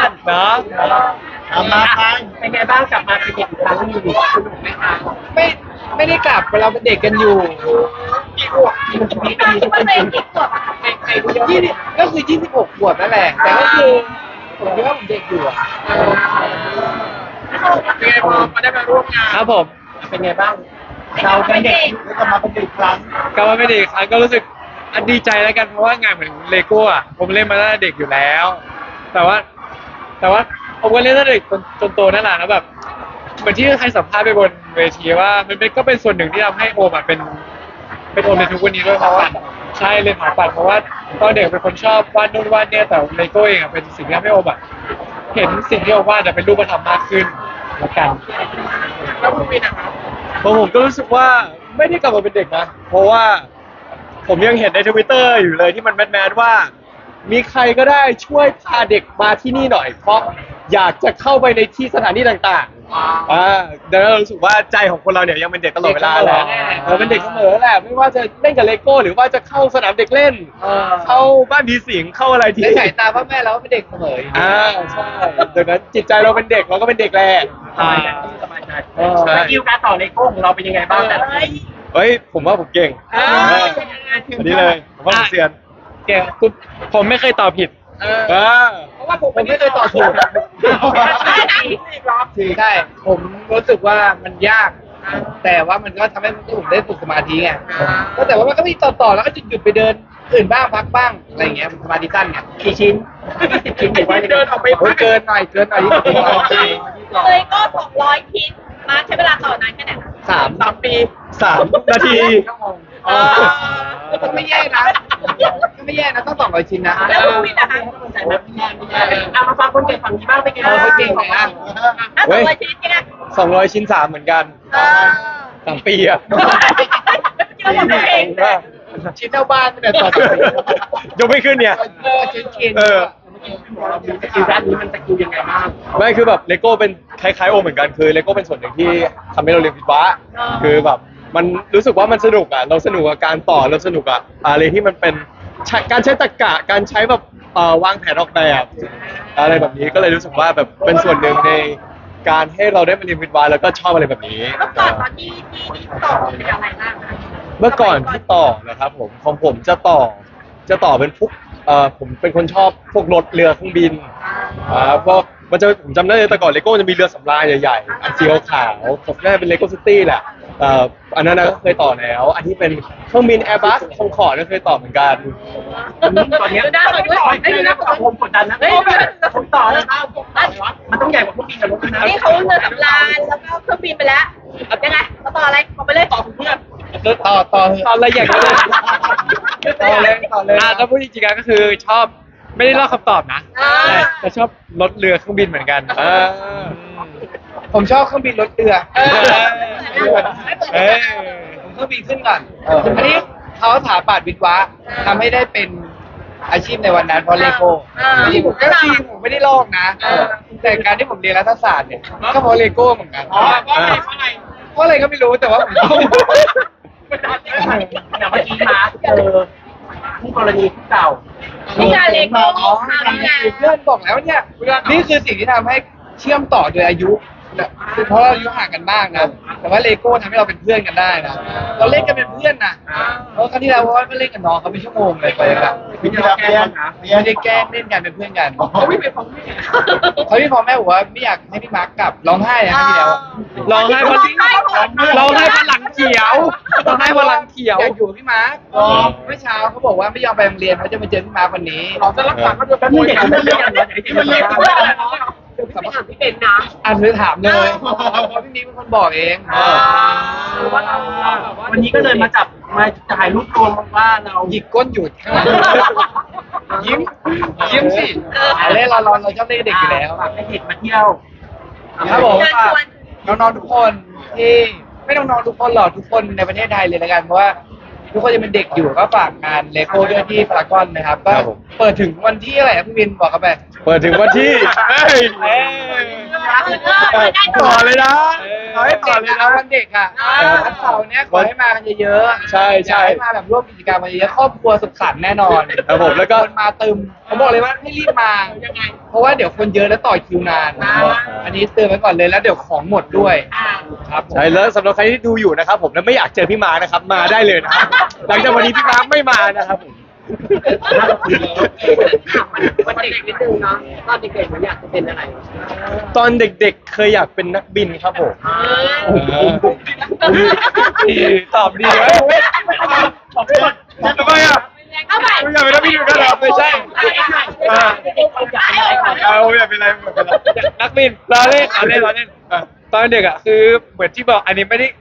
อนเนาะมาไปเป็นไงบ้างกลับมาเป็นเด็กอีกครั้งหนึงสนุกไหมคะไม่ได้กลับเราเป็นเด็กกันอยู่กี่ขวบกี่ปีปีคิดว่าตัวเองกี่ขวบอะใครรู้เยอะยี่สิบก็คือ26 ขวบนั่นแหละแต่ก็คือผมคิดว่าผมเด็กอยู่อะเป็นไงพอมาได้มาร่วมงานครับผมเป็นไงบ้างเราเป็นเด็กแล้วก็มาเป็นเด็กครั้งกลับมาเป็นเด็กอีกครั้งก็รู้สึกดีใจแล้วกันเพราะว่างานเหมือนเลโก้อะผมเล่นมาตั้งแต่เด็กอยู่แล้ว แต่ว่าผมก็เล่นตั้งแต่เด็กจนโตนั่นแหละแล้วแบบเหมือนที่ใครสัมภาษณ์ไปบนเวทีว่ามันก็เป็นส่วนหนึ่งที่ทำให้โอมอะเป็นโอมในทุกวันนี้ด้วยเพราะว่าใช่เรียนหาปัดเพราะว่าตอนเด็กเป็นคนชอบวาดนู่นวาดเนี่ยแต่เลโก้เองอะเป็นสิ่งที่ทำให้โอมอะเห็นสิ่งที่โอมวาดอะเป็นรูปธรรมมากขึ้นละกันแล้วคุณวินนะครับผมก็รู้สึกว่าไม่ได้กลับมาเป็นเด็กนะ เพราะว่าผมยังเห็นในทวิตเตอร์อยู่เลยที่มันแมสว่า มีใครก็ได้ช่วยพาเด็กมาที่นี่หน่อย เพราะอยากจะเข้าไปในที่สถานที่ต่างๆดังนั้นเรารู้สึกว่าใจของคนเราเนี่ยยังเป็นเด็กตลอดเวลาแหละเป็นเด็กเสมอแหละไม่ว่าจะเล่นกับเลโก้หรือว่าจะเข้าสนามเด็กเล่น เข้าบ้านผีสิงเข้าอะไรที่ในสายตาพ่อแม่เราก็เป็นเด็กเสมออยู่ใช่ดังนั้นจิตใจเราเป็นเด็กเราก็เป็นเด็กแหละสบายใจสบายใจสกิลการต่อเลโก้ของเราเป็นยังไงบ้างแต่ละคนเฮ้ยผมว่าผมเก่งอันนี้เลยผมว่าผมเซียนเก่งผมไม่เคยตอบผิดเพราะว่าผมไม่เคยตอบถูก ใช่ผมรู้สึกว่ามันยาก แต่ว่ามันก็ทำให้ผมได้ฝึกสมาธิไงก็แต่ว่ามันก็มีต่อแล้วก็หยุดไปเดินอื่นบ้างพักบ้างอะไรอย่างเงี้ยสมาธิสั้นไงกี่ชิ้น20 ชิ้นหรือว่าเดินออกไปโอ้ยเกินหน่อย20 เลยก็200 ชิ้นมาใช้เวลาต่อนานแค่ไหนคะ 3 ปี 3 นาทีก็ไม่แย่นะก็ไม่แย่นะต้อง200 ชิ้นนะแล้วคุณวินนะคะใจไหมไม่แย่เอามาฟังคนเก่งฝั่งนี้บ้างเป็นไงเขาเก่งไหนอ่ะถ้า200 ชิ้นยังไง 200 ชิ้น 3 เหมือนกัน 3 ปีอะคิดว่าตัวเองชิ้นเท่าบ้านเนี่ยต่อยกไม่ขึ้นเนี่ยชิ้นเคนสกิลด้านนี้มันสกิลยังไงบ้างไม่คือแบบเลโก้เป็นคล้ายๆโอเหมือนกันคือเลโก้เป็นส่วนหนึ่งที่ทำให้เราเรียนวิศวะคือแบบมันรู้สึกว่ามันสนุกอ่ะเราสนุกกับการต่อเราสนุกกับอะไรที่มันเป็นการใช้ตรรกะการใช้แบบวางแผนออกแบบอะไรแบบนี้ก็เลยรู้สึกว่าแบบเป็นส่วนหนึ่งในการให้เราได้มาเรียนวิศวะแล้วก็ชอบอะไรแบบนี้เมื่อก่อนตอนที่ต่อเป็นอะไรบ้างคะเมื่อก่อนที่ต่อนะครับผมของผมจะต่อเป็นพวกผมเป็นคนชอบพวกรถเรือเครื่องบินพวกผมจำได้เลยแต่ก่อนเลโก้จะมีเรือสำราญใหญ่ๆอันสีขาวๆผมน่าจะเป็นเลโก้ซิตี้แหละอันนั้นก็เคยต่อแล้วอันที่เป็นเครื่องบินแอร์บัสคองคอร์ดก็เคยต่อเหมือนกันตอนนี้ไม่มีนักต่อผมกดดันนะผมต่อแล้วมันต้องใหญ่กว่าพวกบินกับรถนะนี่เขาเรือสำราญแล้วก็เครื่องบินไปแล้วยังไงมาต่ออะไรบอกไปเลยต่อเพื่อนต่อตอนอะไรอย่างเงี้ยต่อเลยถ้าพูดจริงๆก็คือชอบไม่ได้เล่าคำตอบนะแต่ชอบรถเรือเครื่องบินเหมือนกันผมชอบเครื่องบินรถเรือเอ้ยผมเครื่องบินขึ้นก่อนอันนี้เขาถาปัดวิศวะทำให้ได้เป็นอาชีพในวันนั้นเพราะเลโก้ที่ผมก็จริงผมไม่ได้ลอกนะ แต่การที่ผมเรียนรัฐศาสตร์เนี่ยก็เพราะเลโก้เหมือนกันเพราะอะไรเพราะอะไรก็ไม่รู้แต่ว่าผมชอบอย่างเมื่อกี้มาคู่กรณีคู่เก่านี่งานเลโก้ทำงานเพื่อนบอกแล้วเนี่ยนี่คือสิ่งที่ทำให้เชื่อมต่อโดยอายุคือเพราะเราอายุห่างกันมากนะแต่ว่าเลโก้ทำให้เราเป็นเพื่อนกันได้นะเราเล่นกันเป็นเพื่อนนะเพราะครั้งที่แล้วก็เล่นกับน้องเขาเป็นชั่วโมงเลยไปกันวิธีการเรียนไม่ได้แกล้งเล่นกันเป็นเพื่อนกันเขาไม่เป็นของแม่เขาพี่พ่อแม่บอกว่าไม่อยากให้พี่มาร์กกลับร้องไห้นะครั้งที่แล้วร้องไห้เพราะหลังเขียวร้องไห้เพราะหลังเขียวอยากอยู่กับพี่มาร์กเมื่อเช้าเขาบอกว่าไม่ยอมไปโรงเรียนเขาจะมาเจอพี่มาร์กวันนี้เราจะรักษาก็จะเป็นเด็กเรื่องอย่างนี้มันเล็กด้วยสำคัญที่เป็นนะอ่านเธอถามเลยเพราะพี่มิ้งเป็นคนบอกเองวันนี้ก็เลยมาจับมาถ่ายรูปรวมว่าเราหยิกก้นหยุดข้างหลังยิ้มสิเล่นเราชอบเล่นเด็กอยู่แล้วฝากให้เด็กมาเที่ยวครับผมเชิญชวนน้องๆทุกคนที่ไม่น้องๆทุกคนหรอกทุกคนในประเทศไทยเลยละกันเพราะว่าทุกคนยังเป็นเด็กอยู่ก็ฝากงานเลโก้ด้วยที่พารากอนนะครับก็เปิดถึงวันที่อะไรครับพี่วินบอกกันไปเปิดถึงวันที่เฮ้ยได้ต่อเลยนะเขอให้ต่อเลยนะวันเด็กอ่ะวันเสาร์เนี้ยขอให้มากันเยอะๆใช่ใช่อยากให้มาแบบร่วมกิจกรรมกันเยอะๆครอบครัวสุขสันต์แน่นอนครับผมแล้วก็คนมาตึมผมบอกเลยว่าให้รีบมาเพราะว่าเดี๋ยวคนเยอะแล้วต่อคิวนานอันนี้เตือนไว้ก่อนเลยแล้วเดี๋ยวของหมดด้วยครับผมใช่แล้วสำหรับใครที่ดูอยู่นะครับผมแล้วไม่อยากเจอพี่มาร์คนะครับมาได้เลยนะครับหลังจากวันนี้พี่มาร์คไม่มานะครับผมวันเด็กนิดนึงเนาะตอนเด็กๆมันอยากจะเป็นอะไรตอนเด็กๆเคยอยากเป็นนักบินครับผมตอบดีไหมทำไมอ่ะเอาใหม่ไม่อยากเป็นนักบินเหมือนกันเหรอไม่ใช่อยากเป็นอะไรนักบินเราเล่นตอนเด็กอ่ะคือเหมือนที่บอกอันนี้ไม่ได้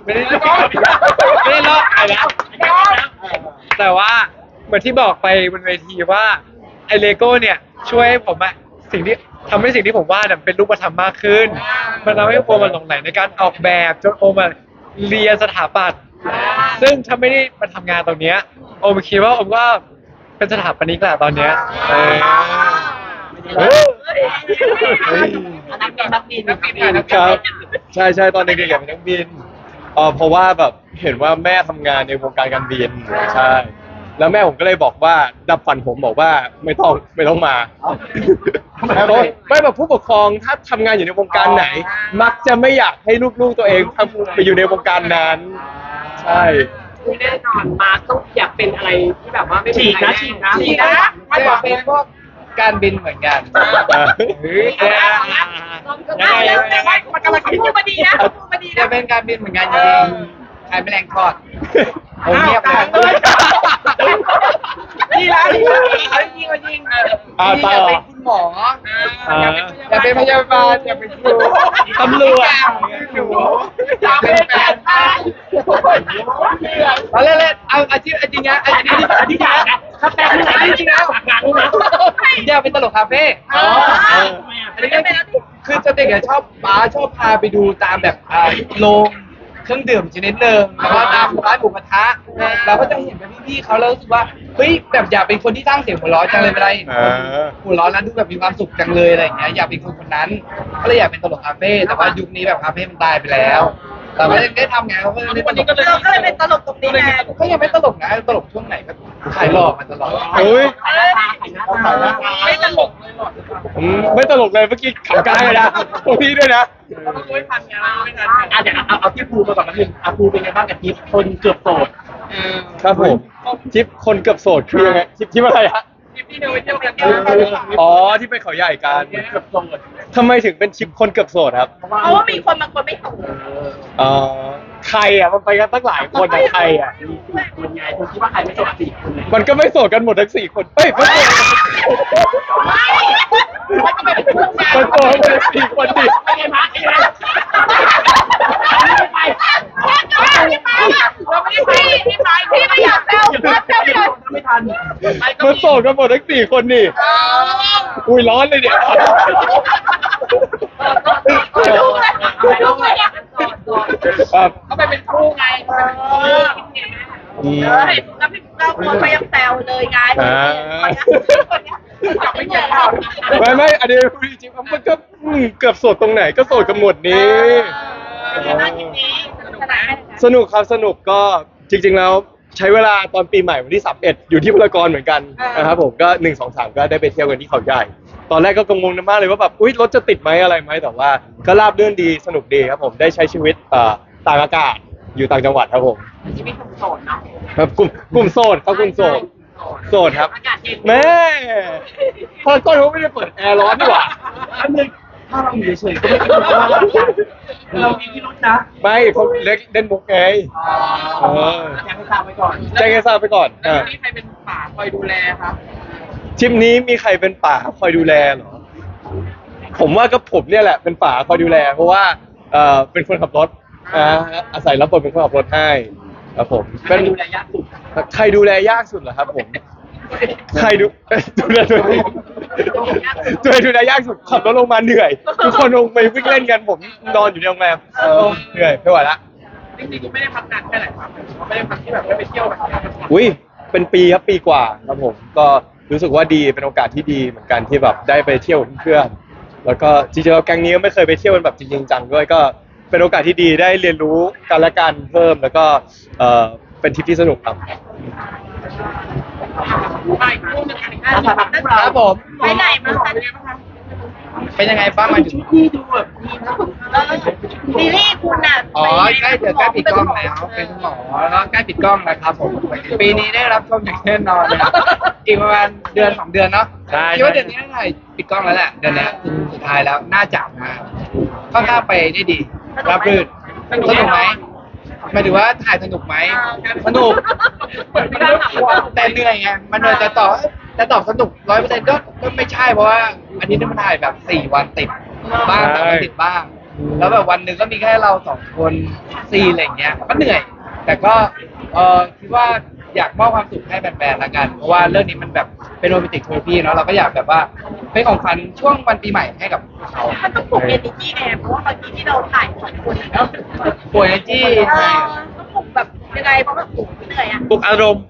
ลอกอะไรนะแต่ว่าเหมือนที่บอกไปบนเวทีว่าไอเลโก้เนี่ยช่วยให้ผมอะสิ่งที่ผมวาดอะเป็นรูปธรรมมากขึ้นมันทำให้โอมมันหลงใหลในการออกแบบจนโอมมาเรียนสถาปัตย์ซึ่งถ้าไม่ได้มาทำงานตรงเนี้ยโอมคิดว่าโอมก็เป็นสถาปนิกแหละตอนเนี้ยนักบินครับใช่ตอนเด็กๆอยากเป็นนักบินเพราะว่าแบบเห็นว่าแม่ทำงานในวงการการบินใช่แล้วแม่ผมก็เลยบอกว่าดับฝันผมบอกว่าไม่ต้องมาไม่แบบผู้ปกครองถ้าทำงานอยู่ในวงการไหน มักจะไม่อยากให้ลูกๆตัวเองทำไปอยู่ในวงการนั้นใช่แน่นอนมาต้องอยากเป็นอะไรที่แบบว่าไม่ฉีกนะไม่อยากเป็นพวกการบินเหมือนกันมันกำลังพูดมาดีนะพูดมาดีจะนะเป็นการบินเหมือนกันจริงๆขายแมลงทอดผมเงียบไปนี่ละเขายิงมายิงอยากเป็นคุณหมออยากเป็นพยาบาลอยากเป็นครูตำรวจอยากเป็นแฟนเอาเล่นๆเอาอาชีพจริงนะอาชีพนะถ้าแปลเป็นอะไรจริงแล้วอยากเป็นตลกคาเฟ่อันนี้คือจะเด็กชอบชอบพาไปดูตามแบบโรงเครื่องดื่มชนิดหนึ่งแล้วก็ตามร้านหมูกระทะเราก็จะเห็นแบบพี่ๆเขาแล้วรู้สึกว่าเฮ้ยแบบอยากเป็นคนที่สร้างเสียงหัวเราะจังเลยเวลาเห็นคนหัวเราะแล้วดูแบบมีความสุขจังเลยอะไรอย่างเงี้ยอยากเป็นคนนั้นก็เลยอยากเป็นตลกคาเฟ่แต่ว่ายุคนี้แบบคาเฟ่มันตายไปแล้วแต่ไม่ได้ทำไงเขาก็เลยตลกเราก็เลยเป็นตลกตรงนี้ไงก็ยังไม่ตลกนะตลกช่วงไหนก็ขายหลอกมาตลอดเฮ้ยไม่ตลกไม่ตลกเลยเมื่อกี้ขำกลางเลยนะตรงนี้ด้วยนะเดี๋ยวเอาที่ภูมาก่อนนะพี่ภูเป็นไงบ้างกับทิปคนเกือบโสดครับผมทริปคนเกือบโสดคือยังไงทริปอะไรฮะพี่ดูไปเที่ยวกันอ๋อที่ไปเขาใหญ่กันเกือบโสดทำไมถึงเป็นทริปคนเกือบโสดครับเพราะว่ามีคนบางคนไม่ส่งใครอ่ะมันไปกันตั้งหลายคนอ่ะใครอ่ะคนไงคุณคิดว่าใครไม่โสดสี่คนเลยมันก็ไม่โสดกันหมดทั้ง4 คนเฮ้ยไม่โสดมันโสดกันทั้ง4 คนดิไม่ไงมาร์คไงไปเราไม่ได้ไปพี่ไม่อยากแซวแซวเลยไม่ทันมันโสดกันหมดทั้ง4 คนนี่อุ้ยร้อนเลยเนี่ยเขาไปเป็นครูไงแล้วพี่เราคนเขายังแซวเลยไงจับไม่เจอเราไม่อันนี้พูดจริงๆมันก็เกือบโสดตรงไหนก็โสดกันหมดนี้ สนุกครับสนุกก็จริงๆแล้วใช้เวลาตอนปีใหม่วันที่31อยู่ที่พารากอนเหมือนกันนะครับผมก็1 2 3ก็ได้ไปเที่ยวกันที่เขาใหญ่ตอนแรกก็กังวลมากเลยว่าแบบอุ๊ยรถจะติดไหมอะไรไหมแต่ว่าก็ราบรื่นดีสนุกดีครับผมได้ใช้ชีวิตต่างอากาศอยู่ต่างจังหวัดครับผมชีวิตโสดเนาะครับกลุ่มโสดครับกลุ่มโสดครับอากาศเย็นแม่พารากอนเขาไม่ได้เปิดแอร์ร้อนดีกว่าอันนึงถ้าเราอยู่เฉยๆก็ไม่คิดว่าเรามีพิรุธนะไม่เขาเล่นมุกไงอยากให้ทราบไว้ก่อนแจ้งให้ทราบไปก่อนมีใครเป็นป่าคอยดูแลครับทริปนี้มีใครเป็นป่าคอยดูแลเหรอผมว่าก็ผมเนี่ยแหละเป็นป่าคอยดูแล เพราะว่าเป็นคนขับรถอาศัยรับบทเป็นคนขับรถให้ครับผมใครดูแลยากสุดใครดูแลยากสุดเหรอครับผมใครดูแลตัวเองดูแลยากสุดขับรถลงมาเหนื่อยทุกคนลงไปวิ่งเล่นกันผมนอนอยู่ในโรงแรมเหนื่อยไม่ไหวละจริงๆกูไม่ได้พักนานแค่ไหนครับไม่ได้พักที่แบบไม่ไปเที่ยวแบบนี้อุ้ยเป็นปีครับปีกว่าครับผมก็รู้สึกว่าดีเป็นโอกาสที่ดีเหมือนกันที่แบบได้ไปเที่ยวกับเพื่อนแล้วก็จริงๆแล้วแก๊งนี้ก็ไม่เคยไปเที่ยวกันแบบจริงๆจังด้วยก็ไปเป็นโอกาสที่ดีได้เรียนรู้กันและกันเพิ่มแล้วก็เป็นทริปที่สนุกครับครับผมไปไหนมาคะเป็นยังไงบ้างมาถึงที่ดูแบบดีนะซีรีส์คุณอ่ะอ๋อใกล้ปิดกล้องแล้วเป็นคุณหมอแล้วก็ใกล้ปิดกล้องแล้วครับผมปีนี้ได้รับชมอย่างแน่นอนนะครับอีกประมาณเดือน2 เดือนเนาะใช่คิดว่าเดือนนี้น่าจะปิดกล้องแล้วแหละเดือนนี้สุดท้ายแล้วน่าจะนะค่อนข้างไปได้ดีรับรื่นสนุกไหมหมายถึงว่าถ่ายสนุกไหมสนุกแต่เหนื่อยไงมันเหนื่อยจะตอบสนุก100%ก็ไม่ใช่เพราะว่าอันนี้มันถ่ายแบบ4 วันติดบ้างแต่วันติดบ้าง แล้วแบบวันหนึ่งก็มีแค่เรา2 คน4อะไรอย่างเงี้ยก็เหนื่อย แต่ก็คิดว่าอยากมอบความสุขให้แฟนๆละกัน เพราะว่าเรื่องนี้มันแบบเป็นโรแมนติกเทอร์พีเนาะเราก็อยากแบบว่าเป็นของขวัญช่วงวันปีใหม่ให้กับเขามันต้องปลุกเอเนจีไงเพราะว่าบางทีที่เราถ่าย2 คนแล้วป่วยจี้ต้องปลุกแบบยังไงเพราะว่าปลุกเหนื่อยอ่ะปลุกอารมณ์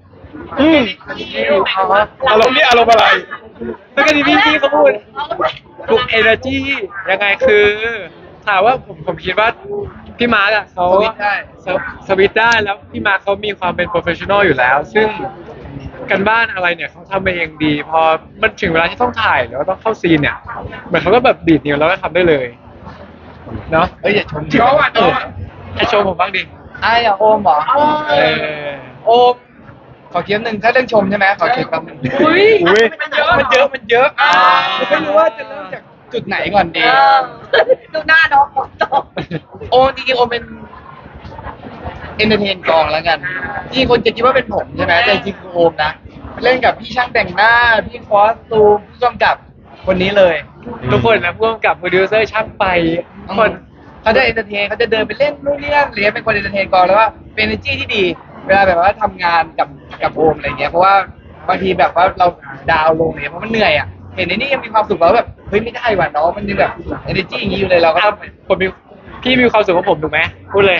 อารมณ์นี่อารมณ์อะไรแล้วก็ที่พี่เขาพูดปลุก energy ยังไงคือถามว่าผมคิดว่าพี่มาร์กอะเขาสวิตช์ได้สวิตช์ได้แล้วพี่มาร์คเขามีความเป็นโปรเฟชชั่นอลอยู่แล้ว ซึ่งกันบ้านอะไรเนี่ยเขาทำมาเองดี พอมันถึงเวลาที่ต้องถ่ายหรือว่าต้องเข้าซีนเนี่ยเหมือนเขาก็แบบดีดนิ้วแล้วก็ทำได้เลยเนาะเอ้ยอย่าชมให้โชว์ผมบ้างดิอย่าโอมเหรอเออโอมขอเคียมหนึ่งถ้าเรื่องชมใช่ไหมขอเคียมแป๊บหนึงอุ้ยมันเยอะไม่รู้ว่าจะเริ่มจากจุดไหนก่อนดีดูหน้าน้องจบโอมจริงๆโอมเป็นเอนเตอร์เทนกองแล้วกันที่คนจะคิดว่าเป็นผมใช่ไหมแต่จริงๆคือโอมนะเล่นกับพี่ช่างแต่งหน้าพี่คอสตูมผู้กำกับคนนี้เลยทุกคนนะพ่วงกับโปรดิวเซอร์ช่างไปทุกคนเขาจะเอนเตอร์เทนเขาจะเดินไปเล่นนู่นนี่นั่นหรือเป็นคนเอนเตอร์เทนกองแล้วว่าเป็น energy ที่ดี เวลาแบบว่าทำงานกับโอมอะไรเงี้ยเพราะว่าบางทีแบบว่าเราดาวน์ลงเนี่ยเพราะมันเหนื่อยอ่ะเห็นในนี่ยังมีความสุขแล้วแบบเฮ้ยไม่ได้ว่ะน้องมันยังแบบ energy อย่างนี้อยู่เลยเราก็อ่ะต้องผมมีพี่มีความสุขกับผมถูกไหมพูดเลย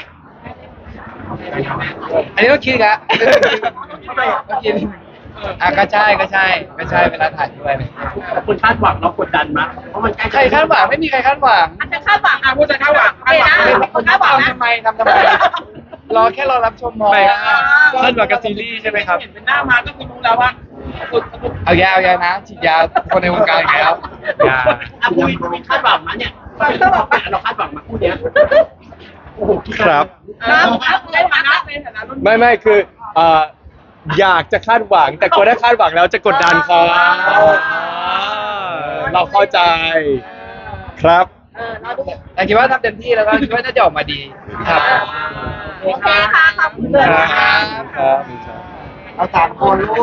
อันนี้ต้องคิดครับต้องคิดก็ใช่เวลาถ่ายด้วยคุณคาดหวังเรากดดันมั้ยเพราะมันใกล้ใครคาดหวังไม่มีใครคาดหวังอาจจะคาดหวังพูดจะคาดหวังเนะคนคาดหวังนะทำไมรอแค่รอรับชมพอไม่คาดหวังกับซีรีส์ใช่ไหมครับเห็นเป็นหน้ามาก็คือรู้แล้วว่าสุดเอายานะฉีดยาคนในวงการอีกแล้วอย่าคุยคาดหวังมั้ยเนี่ยเราคาดหวังมาคู่เนี้ยโอ้โหครับในฐานะในฐานะรุ่นไม่คืออยากจะคาดหวัง แต่กลัวถ้าคาดหวังแล้วจะกดดันเขาเราเข้าใจครับเราดูแต่คิดว่าทำเต็มที่แล้วก็คิดว่าน่าจะออกมาดีครับโอเคค่ะขอบคุณเลยครับครับเอา3 คนลูก